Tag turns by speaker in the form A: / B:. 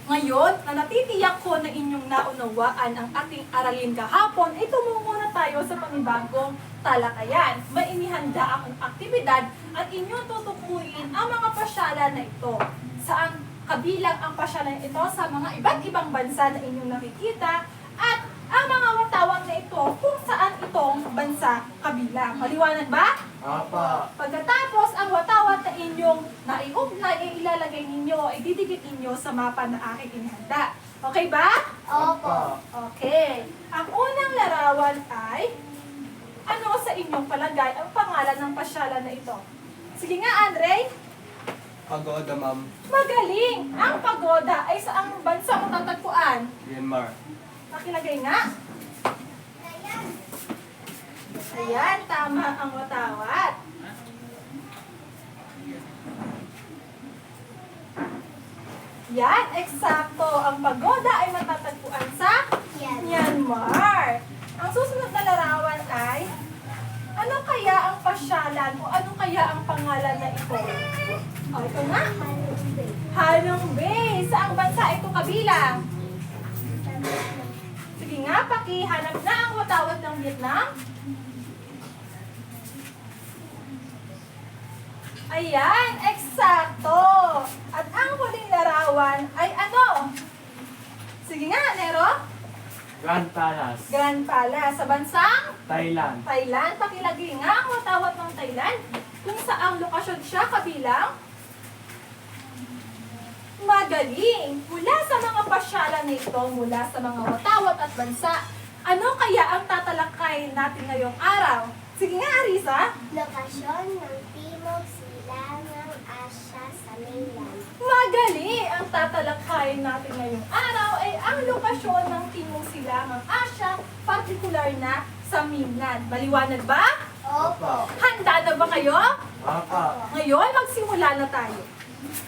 A: Ngayon, na natitiyak ko na inyong naunawaan ang ating aralin kahapon, ay tumungo na tayo sa panibagong talakayan. May inihanda akong aktibidad at inyong tutukuyin ang mga pasyalan na ito. Saan kabilang ang pasyalan ito sa mga iba't ibang bansa na inyong nakikita at ang mga watawang na ito kung saan itong bansa kabilang. Maliwanag ba?
B: Apa.
A: Pagkatapos, ang watawat na inyong naiugnay ay ilalagay ninyo, ay didikit ninyo sa mapa na aking inihanda. Okay ba?
B: Opo.
A: Okay. Ang unang larawan ay, ano sa inyong palagay ang pangalan ng pasyalan na ito? Sige nga, Andre.
B: Pagoda, ma'am.
A: Magaling! Ang pagoda ay saang bansa matatagpuan?
B: Myanmar.
A: Pakilagay nga. Ayan, tama ang watawat. Yan, eksakto. Ang pagoda ay matatagpuan sa Myanmar. Ang susunod na larawan ay, ano kaya ang pasyalan o ano kaya ang pangalan na ito? O, ito na. Halong Bay. Saang bansa ito kabilang? Sige nga, pakihanap na ang watawat ng Vietnam. Ayan, eksakto. At ang huling larawan ay ano? Sige nga, Nero.
B: Grand Palace.
A: Grand Palace. Sa bansang
B: Thailand.
A: Thailand. Pakilagay nga ang watawat ng Thailand. Kung saang lokasyon siya kabilang? Magaling! Mula sa mga pasyalan na ito, mula sa mga watawat at bansa, ano kaya ang tatalakay natin ngayong araw? Sige nga, Arisa.
C: Lokasyon ng Timog Silangang Asya sa mainland.
A: Magaling! Ang tatalakayin natin ngayong araw ay ang lokasyon ng Timog Silangang Asya, partikular na sa mainland. Maliwanag ba?
C: Opo.
A: Handa na ba kayo?
B: Apa.
A: Ngayon, magsimula na tayo.